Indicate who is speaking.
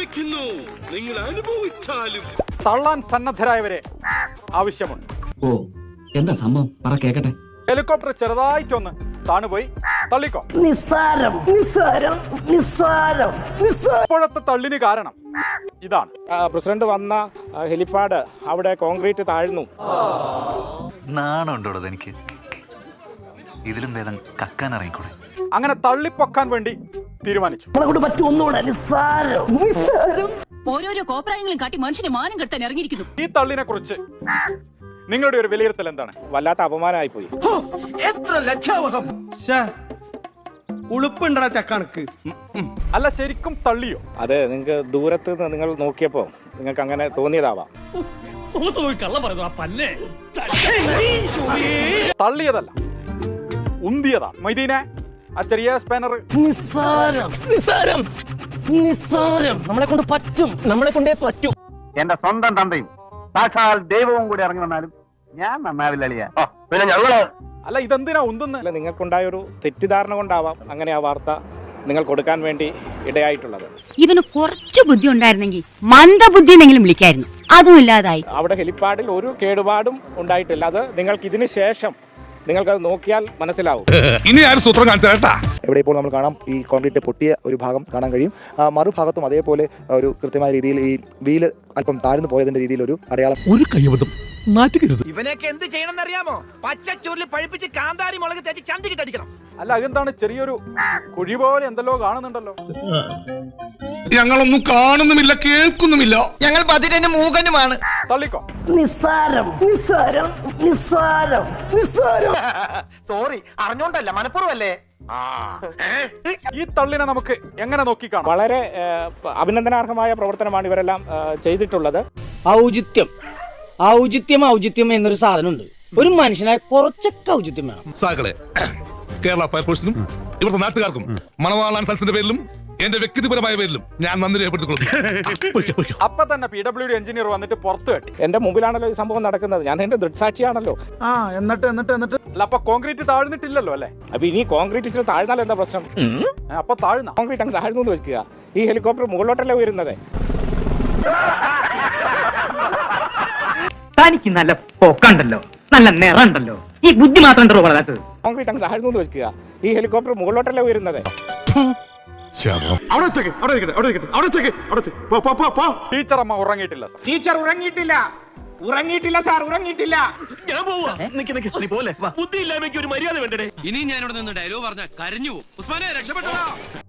Speaker 1: ആരംഭിക്കുന്നു. നിങ്ങൾ അനുഭവിച്ചാലും
Speaker 2: തള്ളാൻ സന്നദ്ധരായവരെ ആവശ്യമുണ്ട്.
Speaker 3: ഓ എന്താ സംഭവം പറ കേക്കട്ടെ.
Speaker 2: ഹെലികോപ്റ്റർ ചെറുതായിട്ടൊന്ന് താണുപോയി തള്ളിക്കോ.
Speaker 4: നിസ്സാരം നിസ്സാരം നിസ്സാരം നിസ്സാരം.
Speaker 2: ഇപ്പോഴത്തെ തള്ളിന് കാരണം ഇതാണ്.
Speaker 5: പ്രസിഡന്റ് വന്ന ഹെലിപ്പാഡ് അവിടെ കോൺക്രീറ്റ് താഴ്ന്നു.
Speaker 6: നാണുണ്ടോ എനിക്ക്? ഇതിലും ഭേദം കക്കാൻ ഇറങ്ങിക്കൂടെ?
Speaker 2: അങ്ങനെ തള്ളിപ്പൊക്കാൻ വേണ്ടി തീരുമാനിച്ചു.
Speaker 4: നമ്മളെ കൊണ്ട് പറ്റും ഒന്നുകൂടെ. നിസ്സാരം നിസ്സാരം.
Speaker 7: ഓരോരോ കോപ്രായങ്ങളും കാട്ടി മനുഷ്യനെ മാനം കെടുത്താൻ ഇറങ്ങിയിരിക്കുന്നു.
Speaker 2: ഈ തള്ളിനെ കുറിച്ച് നിങ്ങളുടെ ഒരു വിലയിരുത്തൽ എന്താണ്?
Speaker 5: വല്ലാത്ത അപമാനമായി പോയി.
Speaker 1: എത്ര ലജ്ജാവഹം. ഉളുപ്പുണ്ടടാ ചക്കണക്ക്.
Speaker 2: അല്ല, ശരിക്കും തള്ളിയോ?
Speaker 5: അത് നിങ്ങൾക്ക് ദൂരത്ത് നിന്ന് നിങ്ങൾ നോക്കിയപ്പോൾ നിങ്ങൾക്ക് അങ്ങനെ തോന്നിയതാവാം.
Speaker 2: തള്ളിയതല്ല, ഉന്തിയതാണ്. മൈദീനെ ആ ചെറിയ സ്പാനർ.
Speaker 4: നിസ്സാരം നിസ്സാരം നിസ്സാരം. നമ്മളെ കൊണ്ട് പറ്റും, നമ്മളെ കൊണ്ടേ പറ്റും.
Speaker 8: എന്റെ സ്വന്തം തന്തയും സാക്ഷാൽ ദൈവവും കൂടി ഇറങ്ങി വന്നാലും ഞാൻ നന്നാവില്ല അളിയാ. പിന്നെ ഞങ്ങള്
Speaker 2: അല്ല, ഇതെന്തിനാ ഉന്തുന്നത്?
Speaker 5: അല്ല, നിങ്ങൾക്കുണ്ടായൊരു തെറ്റിദ്ധാരണ കൊണ്ടാവാം അങ്ങനെ ആ വാർത്ത നിങ്ങൾ കൊടുക്കാൻ വേണ്ടി ഇടയായിട്ടുള്ളത്.
Speaker 7: ഇവന് കുറച്ച് ബുദ്ധി ഉണ്ടായിരുന്നെങ്കിൽ മന്ദബുദ്ധി എന്നെങ്കിലും വിളിക്കായിരുന്നു. അതും ഇല്ലാതായി.
Speaker 5: അവിടെ ഹെലിപ്പാഡിൽ ഒരു കേടുപാടും ഉണ്ടായിട്ടില്ല. അത് നിങ്ങൾക്ക് ഇതിന് ശേഷം നിങ്ങൾക്കത് നോക്കിയാൽ മനസ്സിലാവും.
Speaker 1: ഇനി ആരും സൂത്രം കാണിച്ചാ.
Speaker 9: എവിടെ ഇപ്പോൾ നമ്മൾ കാണാം ഈ കോൺക്രീറ്റ് പൊട്ടിയ ഒരു ഭാഗം കാണാൻ കഴിയും. മറുഭാഗത്തും അതേപോലെ ഒരു കൃത്യമായ രീതിയിൽ ഈ വീല് അല്പം താഴ്ന്നു പോയതിന്റെ രീതിയിൽ ഒരു അടയാളം.
Speaker 1: ഒരു കൈവതം നാറ്റുകരുത്.
Speaker 10: ഇവനെയൊക്കെ എന്ത് ചെയ്യണമെന്ന് അറിയാമോ? പച്ചച്ചോറിൽ പഴുപ്പിച്ച് കാന്താരി മുളക് തേച്ച് ചന്തിക്കിട്ടടിക്കണം.
Speaker 2: അല്ല, അതെന്താണ് ചെറിയൊരു കുഴി പോലെ എന്തെല്ലോ കാണുന്നുണ്ടല്ലോ?
Speaker 1: ഞങ്ങളൊന്നും കാണുന്നുമില്ല, കേൾക്കുന്നുമില്ല.
Speaker 10: ഞങ്ങൾ ബദിരനും മൂകനുമാണ്.
Speaker 2: തള്ളിക്കോ.
Speaker 4: നിസ്സാരം നിസ്സാരം നിസ്സാരം നിസ്സാരം.
Speaker 8: സോറി, അറിഞ്ഞോണ്ടല്ല, മനഃപൂർവ്വല്ലേ.
Speaker 2: ഈ തള്ളിനെ നമുക്ക് എങ്ങനെ നോക്കിക്കാണാം?
Speaker 5: വളരെ അഭിനന്ദനാർഹമായ പ്രവർത്തനമാണ് ഇവരെല്ലാം ചെയ്തിട്ടുള്ളത്.
Speaker 4: ഔചിത്യം ഔചിത്യം ഔചിത്യം എന്നൊരു സാധനമുണ്ട്. ഒരു മനുഷ്യനായ കുറച്ചൊക്കെ ഔചിത്യം വേണം.
Speaker 1: സാകളെ കേരള ഫയർഫോഴ്സിനും ഇവിടുത്തെ നാട്ടുകാർക്കും മണവാളാൻ സൽസിന്റെ പേരിലും എന്റെ വ്യക്തിപരമായ പേരിലും ഞാൻ നന്ദി രേഖപ്പെടുത്തിക്കൊള്ളുന്നു.
Speaker 2: അപ്പൊ തന്നെ PWD എഞ്ചിനീയർ വന്നിട്ട് പുറത്തു കെട്ടി.
Speaker 5: എന്റെ മുമ്പിലാണല്ലോ ഈ സംഭവം നടക്കുന്നത്. ഞാൻ എന്റെ ദൃക്സാക്ഷിയാണല്ലോ.
Speaker 2: എന്നിട്ട് അല്ല, അപ്പൊ കോൺക്രീറ്റ് താഴ്ന്നിട്ടില്ലല്ലോ അല്ലേ?
Speaker 5: അപ്പൊ ഇനി കോൺക്രീറ്റ് ഇച്ചിരി താഴ്ന്നാൽ എന്താ പ്രശ്നം?
Speaker 2: അപ്പൊ താഴ്ന്ന
Speaker 5: കോൺക്രീറ്റ് അങ്ങ് താഴ്ന്നു എന്ന് വെക്കുക. ഈ ഹെലികോപ്റ്റർ മുകളിലോട്ടല്ലേ ഉയരുന്നത്.
Speaker 3: തനിക്ക് നല്ല പൊക്കണ്ടല്ലോ, നല്ല നിറണ്ടല്ലോ, ഈ ബുദ്ധി മാത്രം എന്തോ വളരാത്തത്.
Speaker 5: കോൺക്രീറ്റ് അങ്ങ് താഴ്ന്നു എന്ന് വെക്കുക. ഈ ഹെലികോപ്റ്റർ മുകളിലോട്ടല്ലേ ഉയരുന്നത്.
Speaker 2: ടീച്ചർ അമ്മ ഉറങ്ങിയിട്ടില്ല സാർ.
Speaker 10: ടീച്ചർ ഉറങ്ങിയിട്ടില്ല, ഉറങ്ങിയിട്ടില്ല സാർ, ഉറങ്ങിയിട്ടില്ല.
Speaker 1: ഞാൻ പോവാ. നീ പോലെ ബുദ്ധി ഇല്ലായ്മയ്ക്ക് ഒരു മര്യാദ വേണ്ടേ? ഇനി ഞാനിവിടെ നിന്ന് ഡയലോഗ് പറഞ്ഞ കരഞ്ഞു പോകും. ഉസ്മാനെ രക്ഷപ്പെട്ടോ.